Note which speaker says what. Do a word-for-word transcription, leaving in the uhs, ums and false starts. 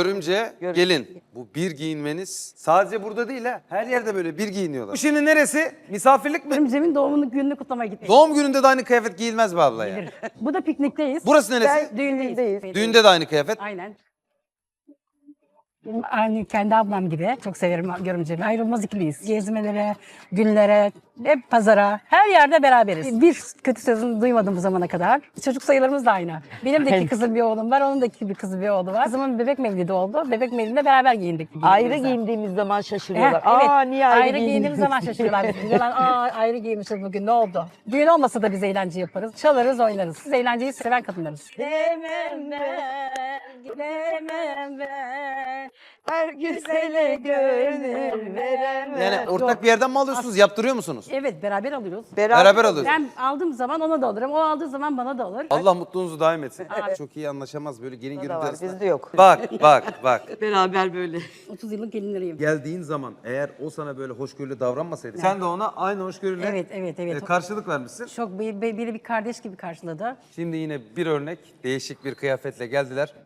Speaker 1: Görümce,
Speaker 2: Görümce.
Speaker 1: gelin. Bu bir giyinmeniz sadece burada değil ha. Her yerde böyle bir giyiniyorlar. Bu şimdi neresi? Misafirlik mi?
Speaker 3: Görümcemin doğumunu gününü kutlamaya gittik.
Speaker 1: Doğum gününde de aynı kıyafet giyilmez be abla ya.
Speaker 3: Bu da piknikteyiz.
Speaker 1: Burası neresi?
Speaker 2: Ben-
Speaker 3: Düğündeyiz.
Speaker 2: Düğündeyiz.
Speaker 1: Düğünde de aynı kıyafet.
Speaker 3: Aynen. Benim aynı kendi ablam gibi çok severim görümcemi. Ayrılmaz ikiliyiz. Gezmelere, günlere, hep pazara, her yerde beraberiz. Bir kötü sözünü duymadım bu zamana kadar. Çocuk sayılarımız da aynı. Benim de iki kızım bir oğlum var, onun da iki bir kızı bir oğlu var. Kızımın bebek mevlidi oldu. Bebek mevlidinde beraber giyindik.
Speaker 2: Ayrı
Speaker 3: birbirimize.
Speaker 2: giyindiğimiz zaman
Speaker 3: Heh,
Speaker 2: şaşırıyorlar.
Speaker 3: evet.
Speaker 2: Aa niye ayrı,
Speaker 3: ayrı giyindiğimiz zaman şaşırıyorlar. Biz diyorlar, aa ayrı giymişiz bugün ne oldu? Düğün olmasa da biz eğlence yaparız. Çalarız, oynarız. Biz eğlenceyi seven kadınlarız. Gidemem ben, gidemem ben. Her güzele gönül veremem.
Speaker 1: Yani ortak
Speaker 3: Yok.
Speaker 1: bir yerden mi alıyorsunuz? Yaptırıyor musunuz?
Speaker 3: Evet, beraber alıyoruz.
Speaker 1: Beraber alıyorsunuz.
Speaker 3: Ben aldığım zaman ona da alırım, o aldığı zaman bana da alır.
Speaker 1: Allah mutluluğunuzu daim etsin. Çok iyi anlaşamaz böyle gelin
Speaker 2: da
Speaker 1: görümce
Speaker 2: var,
Speaker 1: arasında.
Speaker 2: bizde yok.
Speaker 1: Bak bak bak.
Speaker 2: Beraber böyle.
Speaker 3: otuz yıllık gelinleriyim.
Speaker 1: Geldiğin zaman eğer o sana böyle hoşgörülü davranmasaydı sen de ona aynı hoşgörüyle
Speaker 3: Evet, evet, evet.
Speaker 1: e, karşılık vermişsin.
Speaker 3: Çok bir- bir- biri bir kardeş gibi karşıladı.
Speaker 1: Şimdi yine bir örnek değişik bir kıyafetle geldiler.